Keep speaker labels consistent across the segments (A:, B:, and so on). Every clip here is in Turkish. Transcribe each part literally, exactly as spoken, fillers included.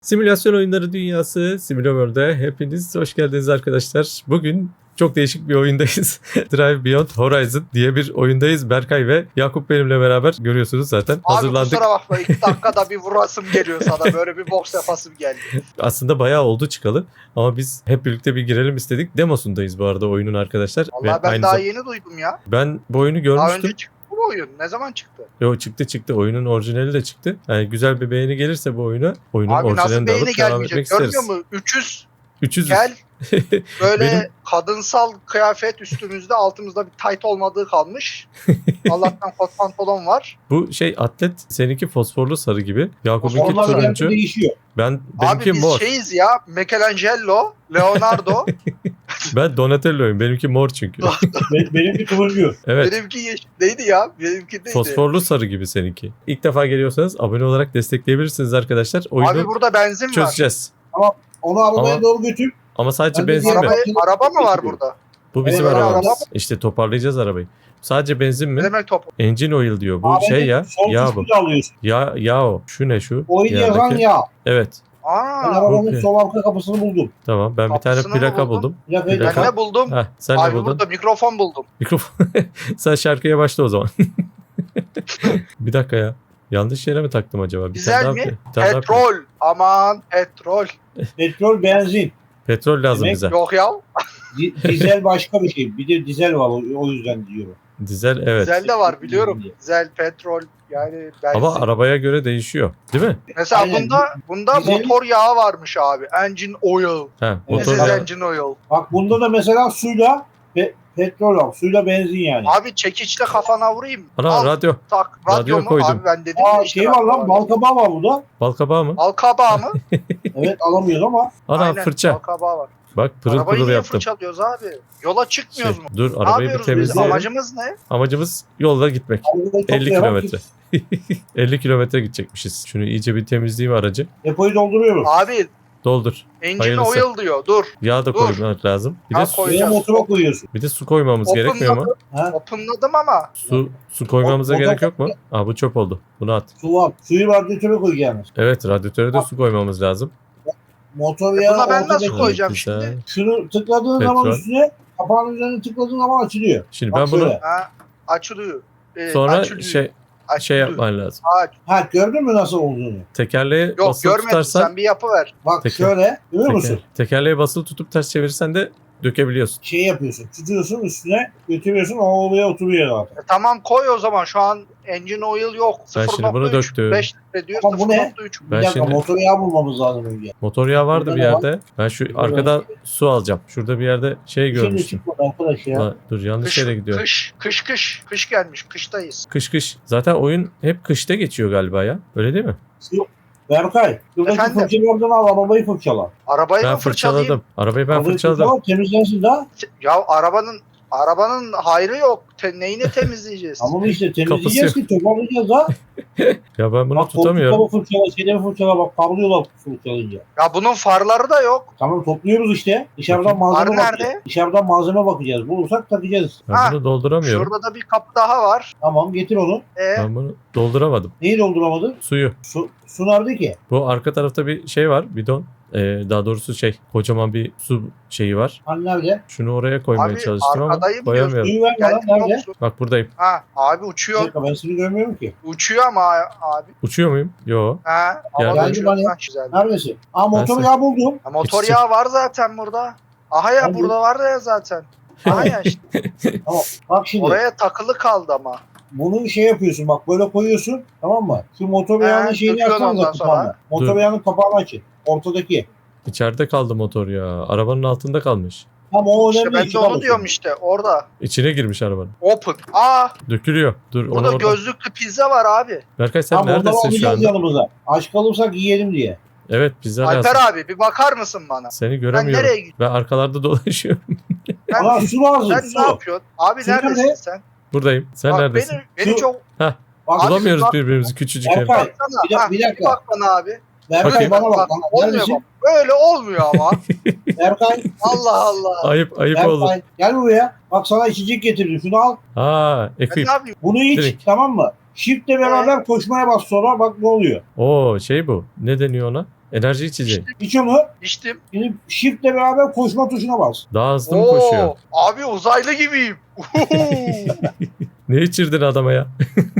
A: Simülasyon oyunları dünyası Simülaworld'e hepiniz hoş geldiniz arkadaşlar. Bugün çok değişik bir oyundayız. Drive Beyond Horizon diye bir oyundayız. Berkay ve Yakup benimle beraber görüyorsunuz zaten.
B: Abi
A: Hazırlandık.
B: kusura bakma iki dakikada bir vurasım geliyor sana. Böyle bir boks yapasım geldi.
A: Aslında bayağı oldu çıkalı ama biz hep birlikte bir girelim istedik. Demosundayız bu arada oyunun arkadaşlar.
B: Vallahi
A: Ve
B: ben
A: aynı
B: daha
A: zam-
B: yeni duydum ya.
A: Ben bu oyunu
B: Daha
A: görmüştüm.
B: önce çıktı bu oyun. Ne zaman çıktı?
A: Yo çıktı çıktı. Oyunun orijinali de çıktı. Yani güzel bir beğeni gelirse bu oyuna oyunun
B: Abi nasıl
A: orijinalini de alıp
B: beğeni
A: devam
B: gelmeyecek
A: etmek
B: görmüyor
A: isteriz.
B: musun? üç yüz
A: üç yüz
B: gel. Böyle
A: Benim-
B: kadınsal kıyafet üstümüzde altımızda bir tayt olmadığı kalmış. Allah'tan kot pantolon var.
A: Bu şey atlet seninki fosforlu sarı gibi. Yakup'unki
B: Fosforlu sarı.
A: turuncu.
C: değişiyor.
A: Ben benimki
B: Abi biz
A: mor.
B: şeyiz ya. Michelangelo, Leonardo.
A: Ben Donatello'yum. Benimki mor çünkü.
C: Be- Benimki turuncu.
A: Evet.
B: Benimki yeşil. Neydi ya? Benimki neydi?
A: Fosforlu sarı gibi seninki. İlk defa geliyorsanız abone olarak destekleyebilirsiniz arkadaşlar. Oyunu
B: Abi burada benzin var.
A: çözeceğiz.
C: Onu arabaya
A: Ama-
C: doğru götür.
A: Ama sadece
C: Ben de
A: benzin mi?
B: Araba, araba mı var burada?
A: Bu bizim
C: Evet,
A: arabamız.
B: araba.
A: İşte toparlayacağız arabayı. Sadece benzin
B: Ne
A: mi?
B: demek top?
A: Engine oil diyor. Bu
C: Abi,
A: şey ya.
C: Son
A: Yağ bu.
C: kısmını da alıyorsun.
A: Ya ya o. Şu ne şu?
C: Oyun yazan
A: Yerdeki.
C: yağ.
A: Evet.
C: Ben
B: Aa,
C: arabanın
A: Okey.
C: sol arka kapısını buldum.
A: Tamam. Ben bir tane
B: Kapısını mı
A: plaka
B: buldun?
A: buldum.
C: Plakayı
A: Plaka.
B: ben
C: tak.
B: ne buldum?
A: Heh, sen ne
B: Abi
A: buldun?
B: burada mikrofon buldum.
A: Mikrofon. Sen şarkıya başla o zaman. Bir dakika ya. Yanlış yere mi taktım acaba? Bir
B: Güzel
A: tane
B: mi?
A: daha- bir tane daha-
B: Petrol. Aman petrol.
C: Petrol, benzin.
A: Petrol lazım
C: Demek
A: bize.
B: Yok ya.
C: Di- dizel başka bir şey. Bir de dizel var o, o yüzden diyorum.
A: Dizel evet.
B: Dizel de var biliyorum. Dizel, petrol yani benzin.
A: Ama arabaya göre değişiyor. Değil mi?
B: Mesela
C: Aynen.
B: bunda bunda
C: Dizel-
B: motor yağı varmış abi. Engine oil.
A: Ha,
C: Evet.
A: motor
B: This is
A: yağı-
B: engine oil.
C: Bak bunda da mesela suyla pe- petrol var. Suyla benzin yani.
B: Abi çekiçle kafana vurayım.
A: Ana
B: Al,
A: radyo.
B: tak. Radyo,
A: radyo
B: mu?
A: koydum.
B: Abi ben dedim
C: Aa
B: ya işte
C: şey var
B: radyo
C: lan bal kabağı var burada.
A: Bal kabağı mı?
B: Bal kabağı mı?
C: Evet alamıyoruz ama.
A: Ana
B: Aynen,
A: fırça.
B: Bal kabağı var.
A: Bak pırıl
B: Arabayı
A: pırıl
B: niye
A: yaptım.
B: fırçalıyoruz abi? Yola
A: Şey,
B: çıkmıyoruz mu?
A: dur
B: Ne
A: arabayı bir
B: yapıyoruz biz?
A: temizleyelim.
B: Amacımız ne?
A: Amacımız yolda gitmek.
C: Arabayı
A: elli
C: toplayarak
A: kilometre. elli kilometre gidecekmişiz. Şunu iyice bir temizleyeyim aracı.
C: Depoyu dolduruyoruz.
B: Abi
A: Doldur.
B: engine
A: Hayırlısı.
B: oil diyor. Dur.
A: Yağ da
B: Dur.
A: koymak lazım. Bir
B: Yağ
A: de su,
B: koy-
C: Veya
B: koyacağız.
C: motora koyuyorsun.
A: bir de su koymamız
B: Open
A: gerekmiyor mu?
C: Ha?
B: Openladım ama.
A: Su su koymamıza
C: O- o da-
A: gerek yok mu? Aa bu çöp oldu. Bunu at.
C: Su var. Suyu radyatöre koyacaksınız.
A: Evet radyatöre de su koymamız lazım.
C: Motor
B: E
C: yağı
B: buna ben nasıl
C: ortadaki-
B: koyacağım
A: Güzel.
B: şimdi?
C: Şunu tıkladığın
A: Petrol.
C: zaman üstüne kapağın üzerine tıkladığın zaman açılıyor.
A: Şimdi
C: Bak
A: ben bunu
C: şöyle.
B: Ha, açılıyor. Ee,
A: sonra
B: açılıyor.
A: şey şey
B: Açılıyor.
A: yapman lazım.
B: Ha,
C: Ha gördün mü nasıl olduğunu?
A: Tekerleğe
B: yok
A: basılı
B: görmedim
A: tutarsan
B: sen bir yapı ver.
C: Bak
A: Teker-
C: şöyle görüyor
A: teker-
C: musun?
A: tekerleğe basılı tutup ters çevirirsen de dökebiliyorsun.
C: Şey yapıyorsun. Tutuyorsun üstüne götürüyorsun o oraya oturuyor zaten.
B: E, tamam koy o zaman şu an engine oil yok.
A: Ben şimdi bunu döktüm.
B: beş litre diyor
C: Ama bu ne?
B: sıfır nokta üç.
C: Bir
A: Ben
C: dakika
A: şimdi-
C: motor yağı bulmamız lazım önce.
A: Motor yağı vardı
C: Burada
A: bir
C: ne var?
A: yerde. Ben şu
C: Burada
A: arkadan su alacağım. Şurada bir yerde şey
C: Şimdi
A: görmüştüm.
C: çıkmadı arkadaş ya.
A: Ulan, dur yanlış
B: Kış,
A: yere gidiyorum.
B: kış, kış, kış, kış gelmiş, kıştayız.
A: Kış kış. Zaten oyun hep kışta geçiyor galiba ya. Öyle değil mi?
C: Berkay. Şuradaki
B: Efendim?
C: fırçalardan al arabayı fırçala.
B: Arabayı
A: Ben
B: mı fırçalayayım?
A: fırçaladım. Arabayı ben
C: Arabayı
A: fırçaladım.
C: fırçala, temizlensin daha.
B: Ya arabanın arabanın hayrı yok. Te, neyini temizleyeceğiz?
C: Ama işte temizleyeceğiz ki toparlayacağız da.
A: Ya ben bunu
C: Bak
A: tutamıyorum.
C: koltukları fırçala, şeyleri fırçala bak parlıyorlar fırçalayınca.
B: Ya bunun farları da yok.
C: Tamam topluyoruz işte. Dışarıdan
A: Bakayım.
C: malzeme
B: Var
C: bakacağız.
B: nerede?
C: Dışarıdan malzeme bakacağız. Bulursak takacağız.
A: Ben
B: Ha,
A: bunu dolduramıyorum.
B: Şurada da bir kapı daha var.
C: Tamam getir onu.
B: E,
A: Ben bunu dolduramadım.
C: Neyi dolduramadın?
A: Suyu.
C: Su, su nerede ki?
A: Bu arka tarafta bir şey var. Bidon. Ee, daha doğrusu şey. Kocaman bir su şeyi var.
C: Hani nerede?
A: Şunu oraya koymaya
B: Abi,
A: çalıştım ama
B: arkadayım
A: koyamıyorum.
C: Suyu ver bana
B: geldik
C: nerede?
B: yoksun.
A: Bak buradayım.
B: Ha, abi
C: Bir
B: uçuyor.
C: dakika ben seni görmüyorum ki.
B: Uçuyor ama abi.
A: Uçuyor muyum? Yo.
B: Ha,
A: Geldi.
B: havada
C: Geldi
B: uçuyor.
C: bana.
B: Ha, güzel.
C: Neredesin? Aa motor
A: Ben
C: yağı buldum.
B: Ha, motor
A: Yetişecek.
B: yağı var zaten burada. Aha ya
C: Hadi.
B: burada var ya zaten. Aha ya işte.
C: Tamam. Bak şimdi
B: Oraya takılı kaldı ama.
C: bunu şey yapıyorsun bak böyle koyuyorsun tamam mı? Şu motor
B: He,
C: yağının şeyini
B: döküyorsun
C: açsanız
B: ondan
C: da
B: sonra.
C: kapağını. Motor
A: Dur.
C: yağının kapağını açın. Ortadaki.
A: İçeride kaldı motor ya. Arabanın altında kalmış.
C: Tamam o
B: İşte
C: önemli.
B: ben de
C: çıkar
B: onu
C: o
B: diyorum
C: sonra.
B: işte orada.
A: İçine girmiş arabanın.
B: Open. Aa
A: Dökülüyor. Dur onu
B: burada
A: orada.
B: gözlüklü pizza var abi.
A: Berkay sen
C: Tamam ondan
A: neredesin şu
C: alacağız
A: anda?
C: yanımıza. Aç kalırsak yiyelim diye.
A: Evet pizza
B: Alper
A: lazım.
B: abi bir bakar mısın bana?
A: Seni
B: Ben
A: göremiyorum.
B: nereye gidiyorum?
A: Ben arkalarda dolaşıyorum.
B: Ben,
C: Ama su lazım
B: sen
C: su.
B: ne yapıyorsun? Abi
C: Su
B: neredesin
C: nerede?
B: sen?
A: Buradayım. Sen
B: Bak
A: neredesin?
B: beni, beni
C: Şu-
B: çok...
C: Bak,
B: Abi,
A: Bulamıyoruz
B: bak-
A: birbirimizi küçücük
C: Berkay,
A: evde.
B: Baksana.
C: bir,
B: ha,
C: dak- bir
B: Bir
C: dakika.
B: bak bana abi.
C: Berkay
A: Bakayım.
C: bana bak.
B: Bak,
C: bana.
B: olmuyor
C: Neredesin?
B: bak. Böyle olmuyor ama.
C: Berkay,
B: Allah Allah.
A: Ayıp ayıp oldu.
C: Berkay gel buraya. Bak sana içecek getirdim. Şunu al.
A: Aa,
B: Ben
A: equip.
B: ne yapayım?
C: Bunu iç
A: Direkt.
C: tamam mı? Shift'le beraber koşmaya bas sonra bak ne oluyor.
A: Oo şey bu. Ne deniyor ona? Enerji içeceği.
C: İç onu.
B: İçtim.
C: Şimdi shift'le beraber koşma tuşuna bas.
A: Daha hızlı mı koşuyor?
B: Oo, abi uzaylı gibiyim.
A: Ne içirdin adama ya?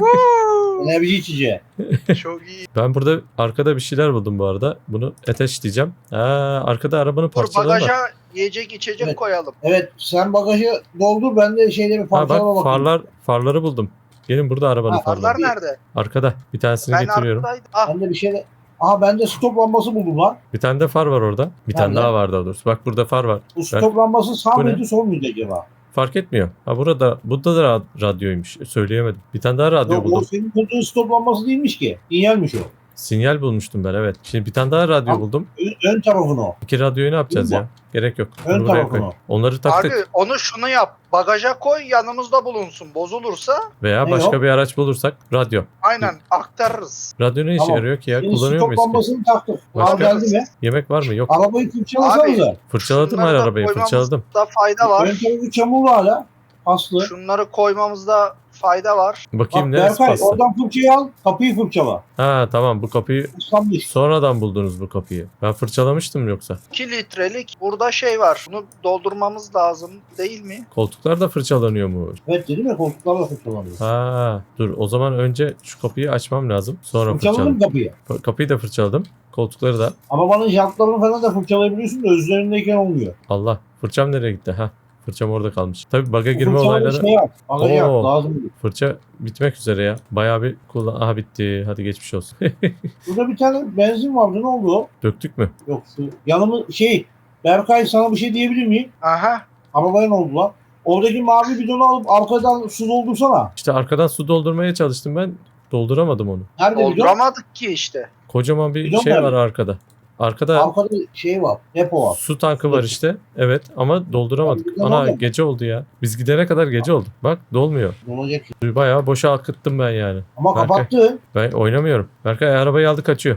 C: Enerji içeceği.
B: Çok iyi.
A: Ben burada arkada bir şeyler buldum bu arada. Bunu ateş diyeceğim. Aa, arkada arabanın
B: Dur
A: parçaları var.
B: bagaja yiyecek içecek
C: Evet.
B: koyalım.
C: Evet sen bagajı doldur ben de şeyleri
A: Ha
C: parçalama
A: bak
C: bakayım.
A: farlar farları buldum. Gelin burada arabanın
C: Ha,
A: farları.
B: Farlar nerede?
A: Arkada. Bir tanesini
B: Ben
A: getiriyorum.
B: arkadaydım. Ah,
C: Ben de bir şeyle... Aha bende stop lambası buldum lan.
A: Bir tane de far var orada. Bir tane
C: Nerede?
A: daha var daha doğrusu. Bak burada far var.
C: Bu stop lambası sağ
A: Bu ne?
C: mıydı sol muydu acaba?
A: Fark etmiyor. Ha burada burada da ra- radyoymuş. Söyleyemedim. Bir tane daha radyo
C: Yok, o
A: buldum.
C: senin bulduğun stop lambası değilmiş ki. Sinyalmiş o.
A: Sinyal bulmuştum ben evet. Şimdi bir tane daha radyo
C: Tamam.
A: buldum.
C: Ön, ön tarafını o.
A: İki radyoyu ne yapacağız
C: Dur
A: ya? Gerek yok.
C: Ön
A: Bunu buraya
C: tarafını
A: koy.
C: o.
A: Onları taktık.
B: abi onu şunu yap. Bagaja koy yanımızda bulunsun. Bozulursa
A: Veya
C: Ne
A: başka
C: o?
A: bir araç bulursak radyo.
B: aynen aktarırız.
A: Radyo ne işe
C: Tamam.
A: yarıyor ki ya?
C: Şimdi
A: Kullanıyor
C: stop
A: muyuz ki?
C: lambasını taktık.
A: Başka?
C: Al geldi mi?
A: Yemek var mı? Yok.
C: Arabayı fırçalasanıza.
A: Fırçaladım her
B: Şunları da
A: arabayı.
B: koymamızda
A: Fırçaladım.
B: fayda
C: Ön
B: var.
C: tarafı çamurlu hala. Paslı.
B: Şunları koymamızda fayda var.
A: Bakayım
C: Bak
A: neresi
C: Berkay
A: pasta?
C: oradan fırçayı al. Kapıyı fırçala.
A: Ha tamam bu kapıyı
C: Islanmış.
A: sonradan buldunuz bu kapıyı. Ben fırçalamıştım yoksa.
B: iki litrelik burada şey var. Bunu doldurmamız lazım değil mi?
A: Koltuklar da fırçalanıyor mu?
C: Evet dedim ya koltuklarla fırçalanıyor.
A: Ha dur o zaman önce şu kapıyı açmam lazım. Sonra
C: Fırçaladın
A: fırçaladım.
C: mı kapıyı?
A: F- Kapıyı da fırçaladım. Koltukları da.
C: Arabanın jantlarını falan da fırçalayabiliyorsun da üzerindeyken olmuyor.
A: Allah fırçam nereye gitti? Ha fırçam orada kalmış. Tabii baga
C: Bu
A: girme
C: fırçaları
A: olayları.
C: şey yap. Bagajı yap.
A: Oo.
C: Lazım değil.
A: Fırça bitmek üzere ya. Bayağı bir kullan. Aha bitti. Hadi geçmiş olsun.
C: Burada bir tane benzin vardı. Ne oldu o?
A: Döktük mü?
C: Yok şu yanımı şey Berkay sana bir şey diyebilir miyim?
B: Aha.
C: Arabaya ne oldu lan? Oradaki mavi bidonu alıp arkadan su doldursana.
A: İşte arkadan su doldurmaya çalıştım ben. Dolduramadım onu.
C: Nerede bidon?
B: Dolduramadık ki işte.
A: Kocaman bir
C: Bidon
A: şey
C: nerede?
A: var arkada. Arkada
C: Arkada şey var. Depo var.
A: su tankı var işte. Evet ama dolduramadık.
C: Bidon
A: Ana
C: orada.
A: gece oldu ya. Biz gidene kadar gece oldu. Bak dolmuyor.
C: Dolacak.
A: Suyu bayağı boşa akıttım ben yani.
C: Ama
A: Berkay.
C: kapattı.
A: Ben oynamıyorum. Berkay arabayı aldı kaçıyor.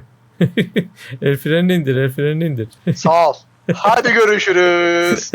A: El frenini indir, el frenini indir.
B: Sağ ol. Hadi görüşürüz.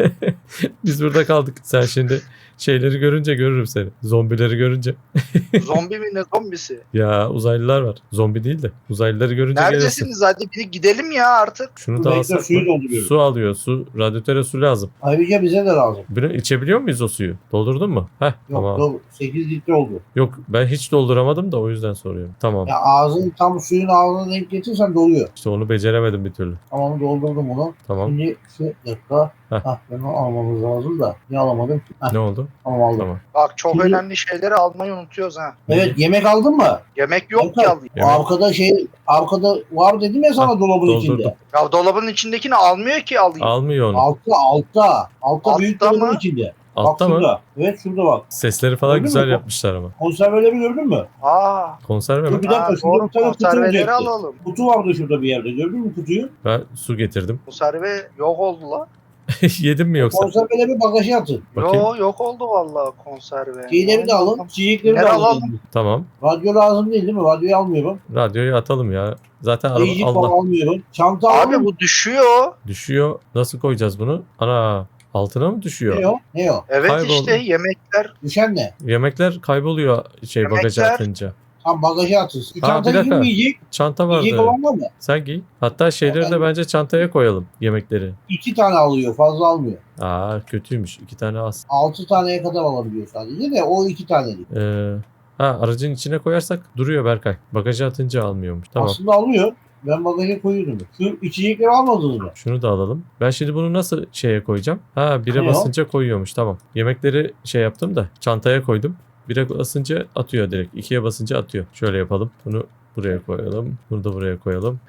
A: Biz burada kaldık. Sen şimdi şeyleri görünce görürüm seni. Zombileri görünce.
B: Zombi mi ne zombisi?
A: Ya uzaylılar var. Zombi değil de. Uzaylıları görünce gelirsin.
B: Neredesiniz? Hadi bir gidelim ya artık.
A: Şunu
C: Dur,
A: da
C: bekle,
A: alsak
C: suyu
A: mı?
C: dolduruyorum.
A: Su alıyor. Su. Radyatöre su lazım.
C: Ayrıca bize de lazım.
A: Bunu içebiliyor muyuz o suyu? Doldurdun mu? Heh
C: Yok
A: tamam.
C: dur, sekiz litre oldu.
A: Yok ben hiç dolduramadım da o yüzden soruyorum. Tamam.
C: Ya ağzın tam suyun ağzına denk getirsen doluyor.
A: İşte onu beceremedim bir türlü.
C: Tamam doldurdum onu.
A: Tamam.
C: Şimdi şu dakika.
A: Heh.
C: Hah ben onu almamız lazım da. Niye alamadım? Heh,
A: Ne oldu?
C: tamam aldım.
A: Tamam.
B: Bak çok
C: Şimdi-
B: önemli şeyleri almayı unutuyoruz ha.
C: Evet yemek aldın mı?
B: Yemek yok
C: Berkay,
B: ki alayım.
A: Yemek-
C: Arkada şey arkada var dedim ya sana
A: Hah,
C: dolabın
A: doldurdum.
C: içinde.
B: Ya dolabın içindekini almıyor ki alayım.
A: Almıyor onu.
C: Altta altta. Altta
B: Altta
C: büyük dolabın
B: mı?
C: içinde.
A: Altta
C: bak
A: mı?
C: şurada. Evet şurada bak.
A: Sesleri falan
C: Gördün
A: güzel
C: mü?
A: yapmışlar ama.
C: Konserveleri gördün mü?
B: Aa,
A: Konserve mi?
C: Dur bir dakika
B: ha,
C: şurada
B: doğru
C: bir tane kutu
B: konserveleri
C: olacaktı.
B: alalım.
C: Kutu vardı şurada bir yerde. Gördün mü kutuyu?
A: Ben su getirdim.
B: Konserve yok oldu la.
A: Yedim mi yoksa?
C: Konserveleri bagaja atın.
A: Bakayım.
B: Yo, yok oldu vallahi konserve.
C: Şeyleri de alın. Çiçekleri de
B: Nereye
C: alın.
B: alalım?
A: Tamam.
C: Radyo lazım değil değil mi? Radyoyu almıyorum.
A: Radyoyu atalım ya. Zaten araba
C: Ayıcık falan
A: Allah
C: almıyorum. Çanta
B: Abi
C: alın.
B: bu düşüyor.
A: düşüyor. Nasıl koyacağız bunu? Ana altına mı düşüyor?
C: Ne o? Ne o?
B: Evet
A: Kayboldu.
B: işte yemekler.
C: Düşen ne?
A: Yemekler kayboluyor şey
B: Yemekler-
A: bagaja atınca.
C: Tam bagaja atın. Bir
A: Ha,
C: çanta
A: bir dakika.
C: kim yiyecek?
A: Çanta
C: Yiyecek
A: vardı.
C: olan var mı?
A: Sen giy. Hatta şeyleri de
C: ben-
A: bence çantaya koyalım. Yemekleri.
C: İki tane alıyor. Fazla almıyor.
A: Aa kötüymüş. İki tane az.
C: Altı taneye kadar alabiliyor sadece de o iki tane değil.
A: Ee, ha aracın içine koyarsak duruyor Berkay. Bagaja atınca almıyormuş. Tamam.
C: Aslında alıyor. Ben bagaja koyuyordum. Şu içecekleri almadınız mı?
A: Şunu da alalım. Ben şimdi bunu nasıl şeye koyacağım? Ha bire
C: Ne o?
A: basınca koyuyormuş. Tamam. Yemekleri şey yaptım da çantaya koydum. Bire basınca atıyor direkt. İkiye basınca atıyor. Şöyle yapalım. Bunu buraya koyalım. Bunu da buraya koyalım.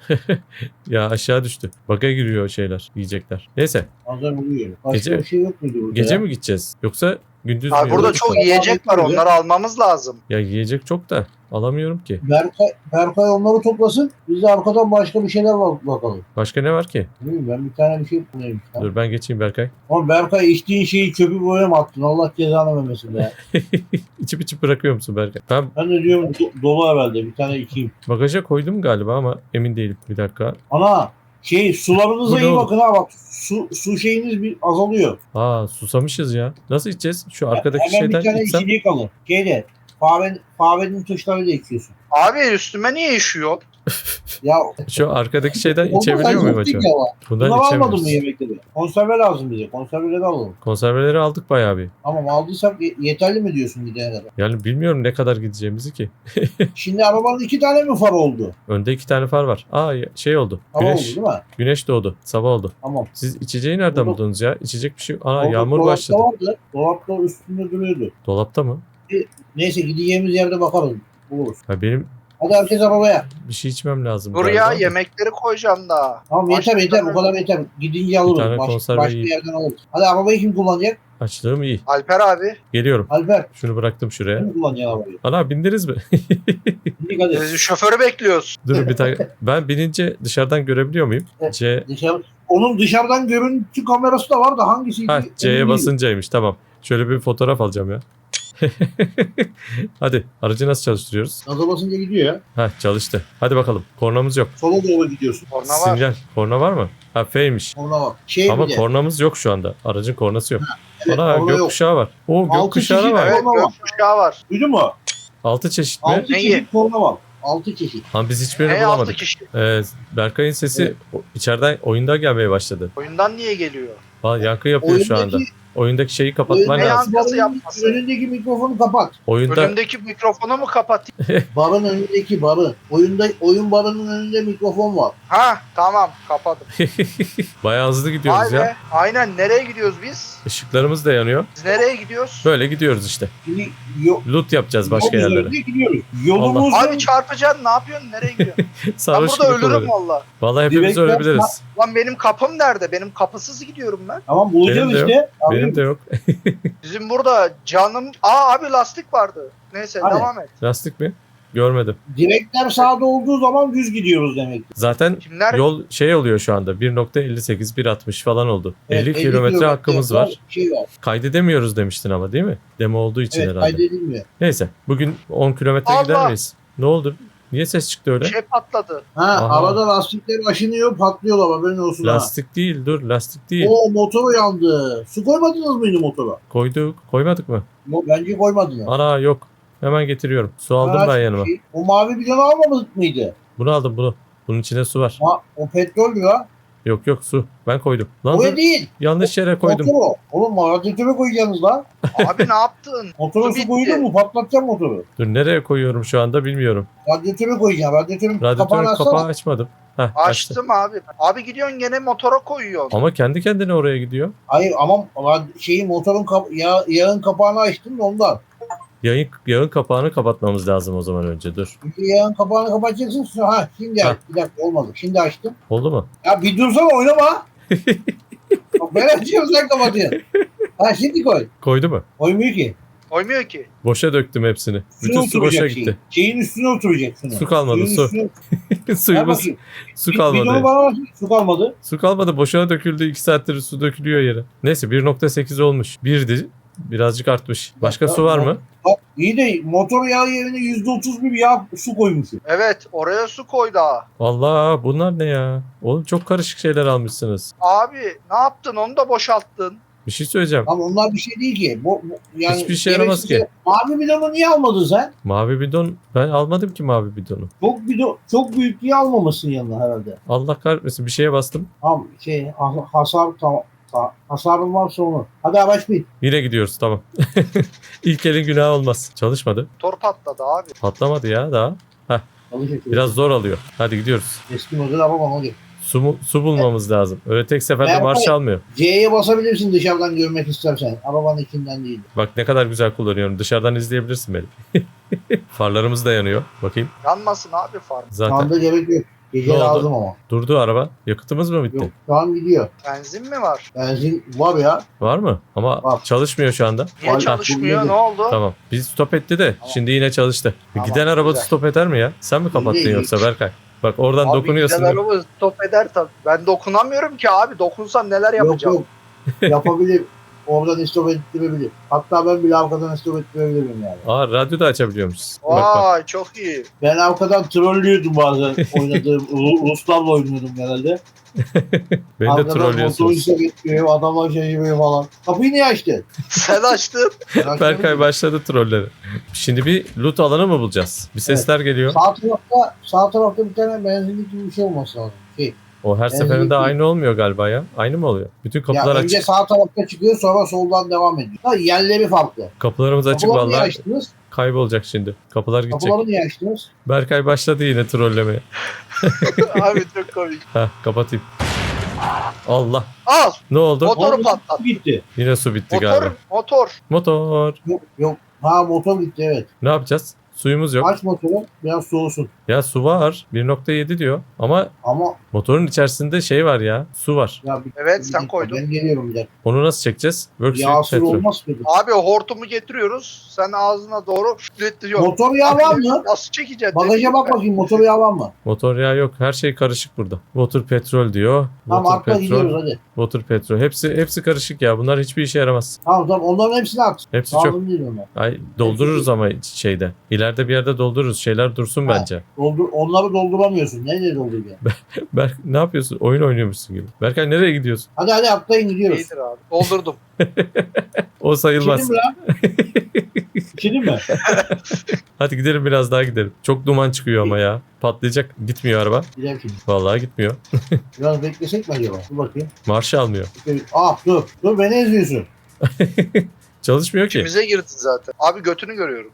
A: Ya aşağı düştü. Baga giriyor şeyler, yiyecekler. Neyse.
C: Bazen oluyor. Başka
A: Gece-
C: bir şey yok muydu burada
A: Gece
C: ya?
A: mi gideceğiz? Yoksa gündüz mü?
B: Abi burada
A: yola
B: çok
A: çıkalım?
B: yiyecek var. Onları almamız lazım.
A: Ya yiyecek çok da alamıyorum ki.
C: Berkay, Berkay onları toplasın. Biz de arkadan başka bir şeyler bak bakalım.
A: Başka ne var ki?
C: Değil mi? Ben bir tane bir şey bulayım.
A: Dur ben geçeyim Berkay.
C: Ama Berkay içtiğin şeyi çöpü boya mı attın? Allah cezanı vermesin be.
A: İçip içip bırakıyor musun Berkay? Ben
C: Ben de diyorum do- dolu herhalde. Bir tane içeyim.
A: bagaja koydum galiba ama emin değilim. Bir dakika.
C: Ana şey sularınıza
A: Bu ne
C: iyi
A: oğlum?
C: bakın ha bak. Su, su şeyiniz bir azalıyor.
A: Aa susamışız ya. Nasıl içeceğiz? Şu arkadaki
C: Hemen
A: şeyden
C: bir tane
A: içsem.
C: içecek alın. Şeyde. Kahve, kahvenin tuşlarıyla içiyorsun.
B: Abi üstüme niye işiyor?
C: Ya
A: Şu arkadaki şeyden
C: olmaz,
A: içebiliyor
C: sen
A: muyum
C: çok
A: acaba?
C: değil ama.
A: Bundan
C: Bunu almadın mı
A: içemiyoruz.
C: yemekleri? Konserve lazım bize. Konserveleri alalım.
A: Konserveleri aldık bayağı bir.
C: Tamam aldıysak ye- yeterli mi diyorsun gidene kadar?
A: Yani bilmiyorum ne kadar gideceğimizi ki.
C: Şimdi arabanın iki tane mi far oldu?
A: Önde iki tane far var. Aa ya- şey oldu.
C: Hava oldu
A: Güneş
C: değil mi?
A: güneş doğdu. Sabah oldu.
C: Tamam.
A: Siz içeceği nereden
C: Burada-
A: buldunuz ya? İçecek bir şey. Ana
C: Orada
A: yağmur
C: dolapta
A: başladı.
C: vardı. Dolapta üstünde duruyordu.
A: Dolapta mı?
C: Neyse gideceğimiz yerde bakarız. Buluruz.
A: Ha, benim
C: Hadi herkes arabaya.
A: bir şey içmem lazım.
B: Dur
A: galiba
B: ya
A: da.
B: yemekleri koyacağım daha.
C: Tamam yeter
B: Başka
C: yeter.
B: bir
C: Bu kadar yeter. Gidince alırız.
A: tane
C: Baş-
A: konserve
C: başka
A: yiyeyim.
C: yerden alırız. Hadi arabayı kim kullanacak?
A: Açlığım iyi.
B: Alper abi.
A: Geliyorum.
C: Alper.
A: Şunu bıraktım şuraya.
C: Kim kullanacak arabayı?
A: Ana bindiniz mi?
C: Şimdi hadi.
B: Biz şoförü bekliyoruz.
A: Durun bir tane. Ben binince dışarıdan görebiliyor muyum?
C: Evet.
A: C.
C: Dışarı. Onun dışarıdan görüntü kamerası da var da hangisiydi?
A: Ha
C: Emin
A: C'ye
C: değilim.
A: basıncaymış. Tamam. Şöyle bir fotoğraf alacağım ya. Hadi aracı nasıl çalıştırıyoruz?
C: Gaza basınca gidiyor ya.
A: Ha çalıştı. Hadi bakalım. Kornamız yok.
C: Sola doğru gidiyorsun.
B: Korna var.
A: Sinyal. Korna var mı? Ha F'ymiş.
C: Ona bak. Şey
A: Ama
C: bir de.
A: kornamız yok şu anda. Aracın kornası yok.
C: Evet,
A: Ana
C: korna yok.
A: gökkuşağı var. Oo
C: Altı
A: gökkuşağı
C: çeşit
A: var.
C: evet.
B: Evet
C: Korna var.
B: gökkuşağı var.
C: Duydun mu?
A: Altı çeşit mi?
C: Altı
B: Neyi?
C: çeşit korna var. Altı çeşit.
A: Ama biz hiçbirini
B: Ne altı
A: bulamadık.
B: kişi?
A: Ee, Berkay'ın sesi
C: Evet.
A: o- içeriden oyunda gelmeye başladı.
B: Oyundan niye geliyor?
A: Valla yankı yapıyor şu anda.
C: Oyundaki,
A: Oyundaki şeyi kapatman
B: Ne
A: lazım.
B: yankısı
C: barın
B: yapması?
C: önündeki mikrofonu kapat.
A: Oyunda
B: Önümdeki mikrofonu mu kapatayım?
C: Barın önündeki barı. Oyunda oyun barının önünde mikrofon var.
B: Ha tamam kapadım.
A: bayağı hızlı
B: Vay
A: gidiyoruz ya.
B: be. Aynen nereye gidiyoruz biz?
A: Işıklarımız da yanıyor.
B: Biz nereye gidiyoruz?
A: Böyle gidiyoruz işte.
C: Şimdi yo,
A: Loot yapacağız başka
C: yol
A: yerlere.
C: üzerinde gidiyoruz. Yolumuz
B: Abi çarpacaksın ne yapıyorsun? Nereye gidiyorsun? ben
A: Sarhoş
B: burada
A: gibi
B: ölürüm
A: kullanıyor.
B: valla.
A: Vallahi hepimiz
C: Direkler-
A: ölebiliriz.
B: Lan benim kapım nerede? Benim kapısız gidiyorum ben.
C: Tamam bulacağız
A: Benim de
C: işte. Abi,
A: Benim de yok.
B: Bizim burada canım... Aa abi lastik vardı. Neyse
C: Hadi.
B: devam et.
A: Lastik mi? Görmedim.
C: Direkler sağda olduğu zaman düz gidiyoruz demek.
A: Zaten
B: Kimler?
A: yol şey oluyor şu anda. bir nokta elli sekiz bir altmış falan oldu.
C: Evet,
A: elli kilometre hakkımız var.
C: Şey var.
A: Kaydedemiyoruz demiştin ama değil mi? Demo olduğu için
C: Evet
A: herhalde.
C: kaydedilmiyor.
A: Neyse. Bugün on kilometre
B: Allah!
A: gider miyiz? Ne oldu? Niye ses çıktı öyle?
B: Bir şey patladı.
C: Ha
A: Aha.
C: arada lastikler aşınıyor patlıyorlar haberin olsun ha.
A: Lastik değil dur lastik değil.
C: Oo motor yandı. Su koymadınız mıydı motora?
A: Koyduk. Koymadık mı?
C: Yok bence koymadınız.
A: Ana yok. Hemen getiriyorum. Su aldım
C: Ha,
A: ben yanıma.
C: şey, o mavi bidonu almadık mıydı?
A: Bunu aldım bunu. Bunun içine su var.
C: Ha, o petrol ya.
A: Yok yok su. Ben koydum. Lan
C: O
A: dur,
C: değil.
A: yanlış yere koydum.
C: Motor o. Oğlum radyatöre koyacaksınız lan.
B: Abi ne yaptın?
C: Motora
B: Su
C: su
B: bitti.
C: koydun mu patlatacağım motoru.
A: Dur nereye koyuyorum şu anda bilmiyorum.
C: Radyatöre koyacağım. Radyatörün kapağını
A: Radyatörün
C: açsana.
A: kapağı açmadım. Heh, açtım.
B: Açtım abi. Abi gidiyorsun gene motora koyuyorsun.
A: Ama kendi kendine oraya gidiyor.
C: Hayır ama rad- şeyi motorun kap- yağ, yağın kapağını açtım da ondan.
A: Yayın, yağın kapağını kapatmamız lazım o zaman önce dur.
C: Çünkü yağın kapağını kapatacaksın. sonra- Ha şimdi
A: Ha.
C: aç. Bir dakika olmadı. Şimdi açtım.
A: Oldu mu?
C: Ya bir dursana oynama. Bak ben açıyorum sen kapatıyorsun. Ha şimdi koy.
A: Koydu mu?
C: Koymuyor ki.
B: Koymuyor ki.
A: Boşa döktüm hepsini.
C: Üstüne
A: Bütün su boşa
C: oturacak
A: gitti.
C: Şeyin. Şeyin üstüne oturacak şunu.
A: Su kalmadı,
C: Suyun
A: su.
C: üstüne- Ver
A: Suyumuz
C: bakayım.
A: su
C: Bir- Bidonu
A: kalmadı.
C: bana ver. Su kalmadı.
A: Su kalmadı boşuna döküldü. iki saattir su dökülüyor yere. Neyse bir nokta sekiz olmuş. birdi. Birazcık artmış. Başka su var mı?
C: Bak iyi de motor yağı yerine yüzde otuz bir yağ su koymuşsun.
B: Evet oraya su koy daha.
A: Allah bunlar ne ya? Oğlum çok karışık şeyler almışsınız.
B: Abi ne yaptın onu da boşalttın.
A: Bir şey söyleyeceğim.
C: Ama onlar bir şey değil ki. Bu, bu- yani
A: Hiçbir şey yaramaz
C: gereksiz-
A: ki.
C: Mavi bidonu niye almadın sen?
A: Mavi bidon ben almadım ki mavi bidonu.
C: Çok bidon, çok büyük diye almamışsın yanına herhalde.
A: Allah kahretmesin bir şeye bastım.
C: Tamam şey ha- hasar tamam. Ha- Hasarın varsa onu. Hadi araç bin.
A: Yine gidiyoruz tamam. İlk elin günahı olmaz. Çalışmadı.
B: Motor patladı abi.
A: Patlamadı ya daha.
C: Çalışıyor.
A: Biraz zor alıyor. Hadi gidiyoruz.
C: Eski model araba hadi.
A: Su, mu- su bulmamız lazım. Öyle tek seferde
C: Ben-
A: marş almıyor.
C: C'ye basabilirsin dışarıdan görmek istersen. Arabanın içinden değil.
A: Bak ne kadar güzel kullanıyorum. Dışarıdan izleyebilirsin beni. Farlarımız da yanıyor. Bakayım.
B: Yanmasın abi farm.
C: Şu
A: Zaten
C: anda gerek yok. Gece
A: Ne oldu?
C: lazım ama.
A: durdu araba. Yakıtımız mı bitti?
C: Yok şu an gidiyor.
B: Benzin mi var?
C: Benzin var ya.
A: Var mı? Ama
C: Var.
A: çalışmıyor şu anda.
B: Niye
C: Vay,
B: çalışmıyor?
C: bak,
B: Ne oldu?
A: Tamam. Biz stop etti de
B: Tamam.
A: şimdi yine çalıştı.
B: Tamam,
A: Giden araba
B: güzel.
A: stop eder mi ya? Sen mi kapattın
C: Değil.
A: yoksa Berkay? Bak oradan
B: Abi
A: dokunuyorsun.
B: güzel
A: değil mi?
B: araba stop eder tabii. Ben dokunamıyorum ki abi. Dokunsam neler
C: Yok
B: yapacağım.
C: yok. Yapabilir. oradan istop ettirebilir. Hatta ben bile arkadan istop ettirebilirim yani.
A: Aa radyo da açabiliyormuşuz. Bak bak.
B: Vay çok iyi.
C: Ben arkadan trollüyordum bazen oynadığım. Ru- Ruslarla oynuyordum genelde.
A: Beni de
C: Arkadan motoru
A: trollüyorsunuz.
C: istop etmiyor, adamlar şey yapıyor falan. Kapıyı niye açtın?
B: Sen açtın.
C: Ben açmadım.
A: Berkay başladı trolleri. Şimdi bir loot alanı mı bulacağız? Bir sesler geliyor.
C: Sağ tarafta, sağ tarafta bir tane benzinlik gibi bir şey olması lazım. Şey,
A: O her
C: Ben
A: seferinde
C: değil.
A: aynı olmuyor galiba ya. Aynı mı oluyor? Bütün kapılar
C: ya önce
A: açık.
C: sağ tarafta çıkıyor, sonra soldan devam ediyor. Ha, yerleri farklı.
A: Kapılarımız açık
C: Kapıları niye
A: vallahi.
C: açtınız?
A: Kaybolacak şimdi. Kapılar gidecek.
C: Kapıları niye açtınız?
A: Berkay başladı yine trollemeye.
B: Abi çok komik.
A: Heh kapatayım. Allah.
B: Al.
A: Ne oldu?
B: Motoru
C: Motor
B: patlat.
C: gitti.
A: Yine su bitti
B: Motor.
A: galiba.
B: Motor.
A: Motor.
C: Yok, yok. Ha motor gitti evet.
A: Ne yapacağız? Suyumuz yok.
C: Aç motoru, biraz soğusun.
A: Ya su var. bir nokta yedi diyor. Ama
C: Ama
A: motorun içerisinde şey var ya. Su var.
C: ya bir,
B: Evet,
C: bir
B: sen
C: dakika,
B: koydun.
C: Ben geliyorum bir dakika.
A: Onu nasıl çekeceğiz? Worksheet
C: Yağsız
A: petrol.
C: olmaz mıydı?
B: Abi hortumu getiriyoruz. Sen ağzına doğru üfletiyorsun.
C: Motor yağı var mı?
B: Nasıl çekeceksin?
C: Bagaja bak bakayım motor yağı var mı?
A: Motor yağı yok. Her şey karışık burada. Water petrol diyor.
C: Tamam
A: Water
C: atla gidiyoruz
A: petrol.
C: hadi.
A: Water petrol. Hepsi hepsi karışık ya. Bunlar hiçbir işe yaramaz.
C: Tamam tamam onların hepsini at.
A: Hepsi çok.
C: Lazım değil onlar.
A: Ay doldururuz ama şeyde. İleride bir yerde doldururuz. Şeyler dursun
C: Ha.
A: bence.
C: Doldur, onları dolduramıyorsun. Neyle dolduracaksın?
A: Berk ne yapıyorsun? Oyun oynuyormuşsun gibi. Berkay nereye gidiyorsun?
C: Hadi hadi atlayın gidiyoruz.
B: İyidir abi. Doldurdum.
A: O sayılmaz.
C: İçelim mi lan? İçelim mi?
A: Hadi gidelim biraz daha gidelim. Çok duman çıkıyor ama ya. Patlayacak. Gitmiyor araba.
C: Gidelim şimdi.
A: Vallahi gitmiyor.
C: Biraz beklesek mi acaba? Dur bakayım.
A: Marşı almıyor.
C: Ah dur. Dur beni eziyorsun.
A: Çalışmıyor ki.
B: İçimize girdi zaten. Abi götünü görüyorum.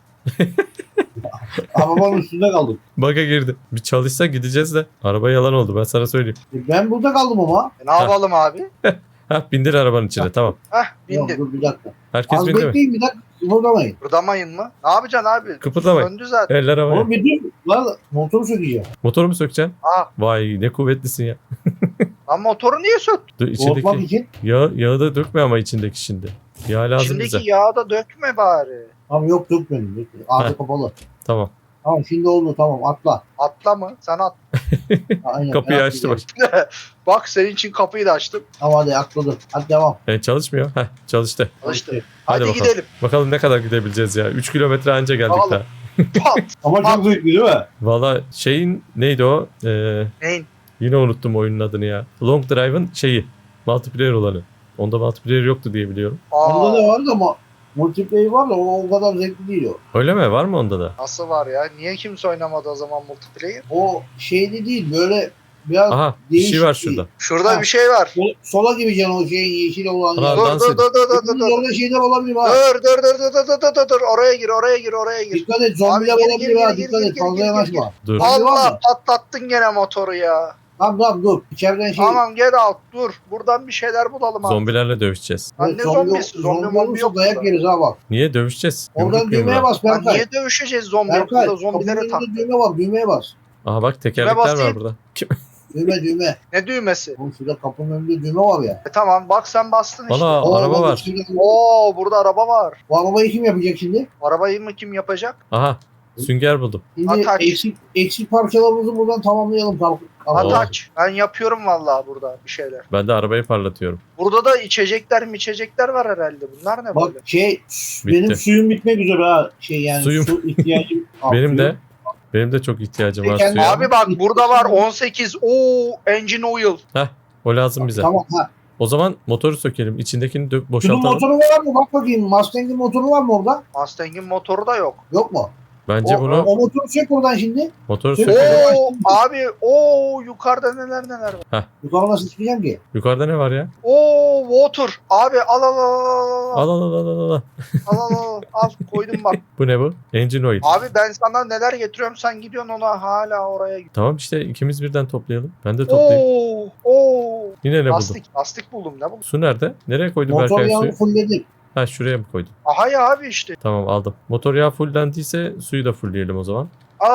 C: Arabanın üstünde kaldım.
A: Baga girdi. Bir çalışsa gideceğiz de. Araba yalan oldu ben sana söyleyeyim.
C: E, Ben burada kaldım ama.
B: E, ne yapalım abi?
A: Ha bindir arabanın içine tamam.
B: Heh
C: Yok,
B: bindi.
C: dur bir dakika.
A: Herkes
C: Az
A: bindi mi?
C: bekleyin bir dakika. Kıpırdamayın.
B: Kıpırdamayın mı? Ne yapacaksın abi?
A: Kıpırdamayın.
B: Döndü zaten.
A: Eller havaya.
C: Oğlum bir dur. Lan motoru sökeceğim.
A: Motoru mu sökeceksin?
B: Aa,
A: Vay ne kuvvetlisin ya.
B: lan motoru niye söktün?
A: Dur,
C: Soğutmak
A: içindeki
C: için.
A: yağ, yağı da dökme ama içindeki şimdi. Yağ lazım
B: İçindeki
A: bize.
B: yağı da dökme bari.
C: Tamam yok dökmedim. dökmedim. Ağzı
A: Heh.
C: kapalı.
A: Tamam.
C: Tamam şimdi oldu tamam atla.
B: Atla mı? Sen at.
C: Ha, Aynen,
A: Kapıyı
C: ben
A: açtı
C: atlayacağım.
A: bak.
B: Bak senin için kapıyı da açtım.
C: Tamam hadi atladım. Hadi devam.
A: E, çalışmıyor. Heh çalıştı.
B: Çalıştı.
C: Hadi.
B: Hadi,
A: Hadi bakalım.
B: gidelim.
A: Bakalım ne kadar gidebileceğiz ya. üç kilometre anca geldik
B: Bakalım.
A: daha.
B: Pat.
C: Ama çok zevkli değil mi?
A: Valla şeyin neydi o? Ee,
B: Neyin?
A: yine unuttum oyunun adını ya. Long Drive'ın şeyi. Multiplayer olanı. Onda multiplayer yoktu diye biliyorum.
C: Onda
B: Aa,
C: da vardı ama multiplayer var da o, o kadar zevkli değil o.
A: Öyle mi? Var mı onda da?
B: nasıl var ya? Niye kimse oynamadı o zaman multiplayer?
C: O şeyli değil böyle biraz
A: Aha bir şey var
C: değişik
A: şurada.
B: Şurada
C: Ha.
B: bir şey var.
C: Sol- sola gibi can o şeyin yeşil olan
A: Ana,
C: yer.
B: Dur
A: dans
B: dur
A: edin.
B: dur dur dur dur.
C: Bunun orada şeyler olabilir ha.
B: Dur dur dur dur dur dur dur dur. Oraya gir oraya gir oraya gir.
C: Dikkat et zombiler
B: Abi, geri,
C: olabilir
B: geri,
C: ha.
B: geri,
C: Dikkat
B: geri,
C: et
B: geri,
C: fazla
B: geri,
C: yanaşma.
A: Dur.
C: Abi var
B: Allah
C: mı?
B: patlattın gene motoru ya.
C: Tamam tamam dur. İçeriden şey.
B: Tamam get out dur. Buradan bir şeyler bulalım abi.
A: Zombilerle dövüşeceğiz.
B: Lan
C: Evet,
B: ne zombisi? Zombi
C: zombi
B: mombi
C: olursa
B: yok
C: dayak
B: burada.
C: yeriz ha bak.
A: Niye dövüşeceğiz?
C: Oradan
A: Yumruk
C: düğmeye
A: yumruğa.
C: bas
B: Lan
C: Berkay.
B: niye dövüşeceğiz zombi?
C: Berkay.
B: Burada
C: Kapının
B: zombileri tak.
C: önünde düğme var. Düğmeye bas.
A: Aha bak tekerlekler var
B: basayım.
A: burada. Kim?
C: Düğme düğme.
B: Ne düğmesi?
C: Oğlum şurada kapının önünde düğme var ya.
B: E tamam bak sen bastın işte.
A: Ana
C: Oo,
A: araba
C: bak,
A: var.
C: içinde-
B: Oo burada araba var.
C: Bu arabayı kim yapacak şimdi?
B: Arabayı mı kim yapacak?
A: Aha sünger buldum.
C: Şimdi
B: Atak.
C: eksik, eksik parçalarımızı buradan tamamlayalım. Kalk, kalk.
A: Oo.
B: Ataç. Ben yapıyorum vallahi burada bir şeyler.
A: Ben de arabayı parlatıyorum.
B: Burada da içecekler mi içecekler var herhalde. Bunlar ne
C: Bak
B: böyle?
C: şey benim suyum bitmek üzere ha. Şey yani
A: Suyum.
C: su ihtiyacım. Aa,
A: Benim
C: suyum.
A: de benim de çok ihtiyacım var
C: Peki,
A: suya.
B: Abi bak burada var on sekiz. Oo engine oil.
A: O lazım bize.
C: Tamam ha.
A: O zaman motoru sökelim. İçindekini dö-
C: Şunun
A: boşaltalım.
C: motoru var mı? Bak bakayım. Mustang'in motoru var mı orada?
B: Mustang'in motoru da yok.
C: Yok mu?
A: Bence
C: o,
A: bunu
C: o motoru çek oradan şimdi.
A: motoru
C: Sök-
A: sökelim.
B: Oo abi oo yukarıda neler neler var.
C: Yukarı nasıl çıkacağım ki?
A: Yukarıda ne var ya?
B: Oo water. Abi al al al al
A: Al al al al al. al.
B: al al al al koydum bak.
A: Bu ne bu? Engine oil.
B: Abi ben sana neler getiriyorum sen gidiyorsun ona hala oraya gidiyorsun.
A: Tamam işte ikimiz birden toplayalım. Ben de toplayayım.
B: Oo oo.
A: Yine ne buldum?
B: Lastik lastik buldum ne buldum?
A: Su nerede? Nereye koydun
C: Motor
A: Berkay
C: yağını
A: suyu?
C: fullledik.
A: Ha şuraya mı koydun?
B: Aha ya abi işte.
A: Tamam aldım. Motor yağı fullendiyse suyu da fullleyelim o zaman.
B: Aa,